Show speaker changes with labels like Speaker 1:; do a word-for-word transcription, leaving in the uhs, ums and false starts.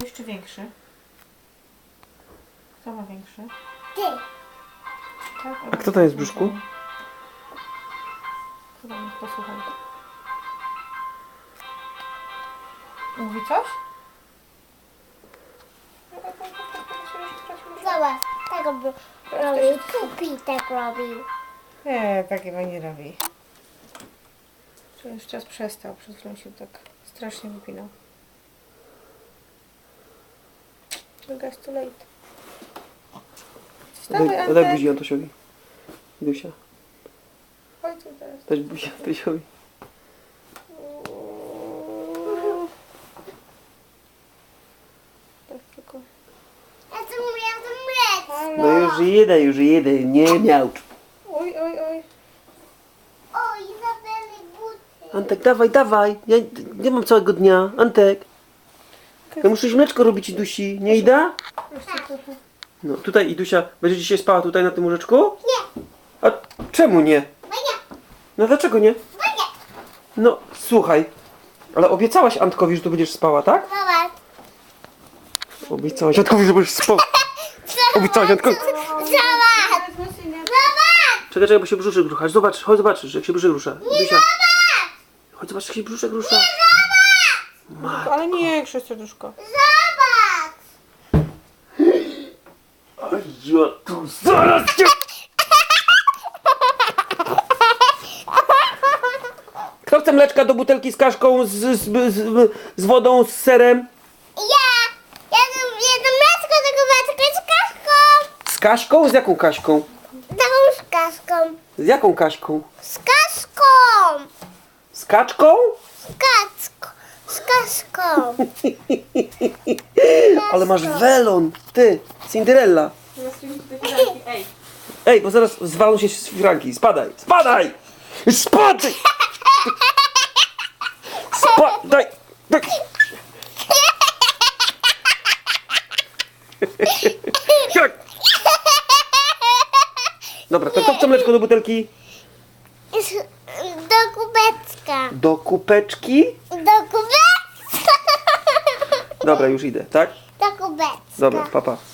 Speaker 1: Jeszcze większy. Kto ma większy?
Speaker 2: Ty.
Speaker 1: Tak?
Speaker 3: A kto tam jest w brzuszku?
Speaker 1: Chyba mnie posłuchaj. Mówi coś?
Speaker 2: Zobacz, tak robił. Robił. Pupi tak robił.
Speaker 1: Nie, takiego nie robi. Czy już czas przestał, przed chwilą się tak strasznie wypinał. It's too late. Wstawaj,
Speaker 3: Daj,
Speaker 1: Antek.
Speaker 3: daj buzi Antosiowi. Dusia.
Speaker 1: Chodź tu teraz.
Speaker 3: Daj buzi Antosiowi.
Speaker 1: Tak tylko.
Speaker 2: Ja chcę miał mleć.
Speaker 3: No już jedę, już jedę. Nie miałcz.
Speaker 1: Oj, oj, oj.
Speaker 2: O, Izabeli buty.
Speaker 3: Antek, dawaj, dawaj. Ja nie mam całego dnia. Antek. Ja muszę już mleczko robić i Dusi. Nie Ida?
Speaker 1: Jeszcze trochę.
Speaker 3: No tutaj Idusia, będzie dzisiaj spała tutaj na tym łóżeczku?
Speaker 2: Nie,
Speaker 3: A czemu nie?
Speaker 2: bo nie,
Speaker 3: No dlaczego nie?
Speaker 2: bo nie.
Speaker 3: No słuchaj, ale obiecałaś Antkowi, że tu będziesz spała, tak?
Speaker 2: Zobacz.
Speaker 3: Obiecałaś Antkowi, że będziesz spała. Obiecałaś Antkowi.
Speaker 2: Zobacz. Zobacz.
Speaker 3: Czekaj, czekaj, bo się brzuszek rusza. Zobacz, chodź zobaczysz, jak się brzuszek rusza. Idusia. Chodź zobacz, jak się brzuszek rusza.
Speaker 1: Ale nie, serduszko.
Speaker 2: Zobacz.
Speaker 3: Oj, ja tu zaraz cię... Kto chce mleczka do butelki z kaszką, z, z, z, z wodą, z serem?
Speaker 2: Ja. Ja jedno mleczko tego mleczka z kaszką.
Speaker 3: Z Kaśką? Z jaką Kaśką?
Speaker 2: Taką z kaszką.
Speaker 3: Z jaką Kaśką?
Speaker 2: Z kaszką.
Speaker 3: Z kaczką?
Speaker 2: Z kaszką. Z kaszką.
Speaker 3: Ale masz welon, ty, Cinderella.
Speaker 1: Ej.
Speaker 3: Ej, bo zaraz zwalą się z firanki. Spadaj, spadaj! Spadaj! Spadaj! Tak. Tak. Dobra, to kto chce mleczko do butelki?
Speaker 2: Do kubeczka.
Speaker 3: Do kupeczki?
Speaker 2: Do kubeczka.
Speaker 3: Dobra, już idę, tak?
Speaker 2: Do kubeczka.
Speaker 3: Dobra, papa. Pa.